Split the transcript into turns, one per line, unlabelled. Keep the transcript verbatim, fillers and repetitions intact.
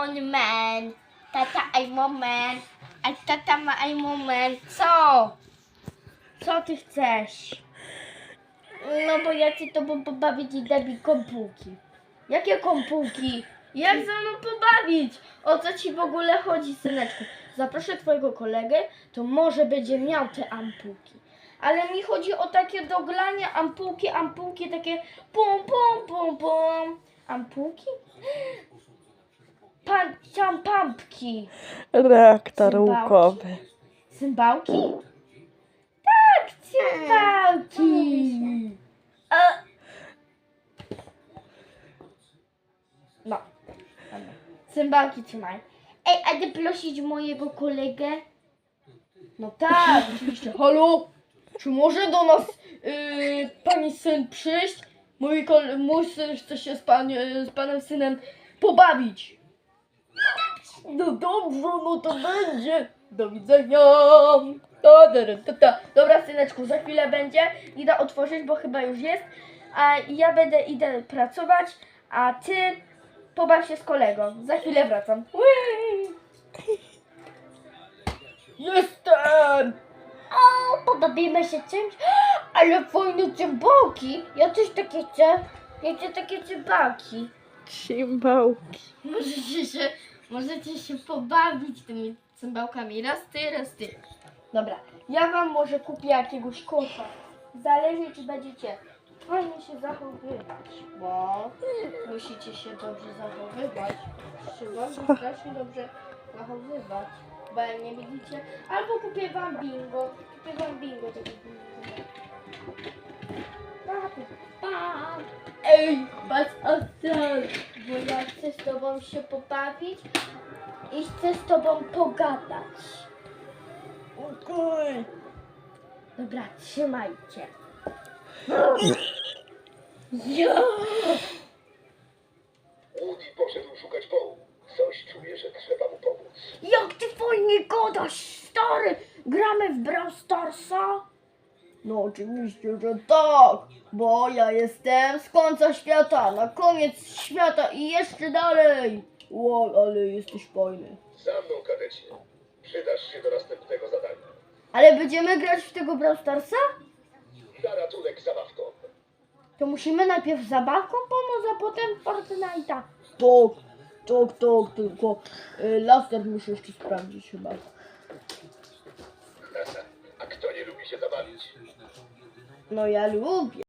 on man. Tata, I'm a man. A tata ma I'm a man. Co? Co ty chcesz? No bo ja chcę tobą pobawić i daj mi kompułki. Jakie kompułki? Jak ze mną pobawić? O co ci w ogóle chodzi, syneczku? Zaproszę twojego kolegę, to może będzie miał te ampułki. Ale mi chodzi o takie doglanie, ampułki, ampułki, takie pum, pum, pum, pum. Ampułki? Pan, tam pampki.
Reaktor
Cymbałki?
łukowy.
Cymbałki? Tak, cymbałki. A. No. Dobra. Cymbałki trzymaj. Ej, a ty prosić mojego kolegę? No tak, oczywiście. Halo? Czy może do nas yy, pani syn przyjść? Mój, kol- mój syn chce się z, pan, yy, z panem synem pobawić. No dobrze, no to będzie. Do widzenia. Ta, ta, ta, ta. Dobra, syneczku, za chwilę będzie. Idę otworzyć, bo chyba już jest. A ja będę idę pracować, a ty pobaw się z kolegą. Za chwilę wracam. Ui! Jestem! O, pobawimy się czymś. Ale fajne cymbałki. Ja też takie chcę. Ja chcę takie cymbałki.
Cymbałki.
Możecie się, możecie się pobawić tymi cymbałkami. Raz ty, raz ty. Dobra, ja wam może kupię jakiegoś kosza. Zależy, czy będziecie fajnie się zachowywać, bo musicie się dobrze zachowywać. Trzeba się strasznie dobrze zachowywać, bo jak nie widzicie. Albo kupię wam bingo. Kupię wam bingo. Takie bingo. Pa. Ej, patrz ostrożnie, bo ja chcę z tobą się pobawić i chcę z tobą pogadać.
Okej.
Dobra, trzymajcie. Ja.
Woody poszedł szukać Poe. Coś czuje, że trzeba mu pomóc.
Jak ty fajnie gadasz, stary! Gramy w Brawl Starsa? No oczywiście, że tak, bo ja jestem z końca świata, na koniec świata i jeszcze dalej. Wow, ale jesteś fajny.
Za mną, kadecie. Przydasz się do następnego zadania.
Ale będziemy grać w tego Brawl Starsa?
Na ratunek zabawką.
To musimy najpierw zabawką pomóc, a potem Fortnite'a. Tak, tak, tak, tylko y, laser muszę jeszcze sprawdzić chyba.
A kto nie lubi się zabawić?
No ja lubię.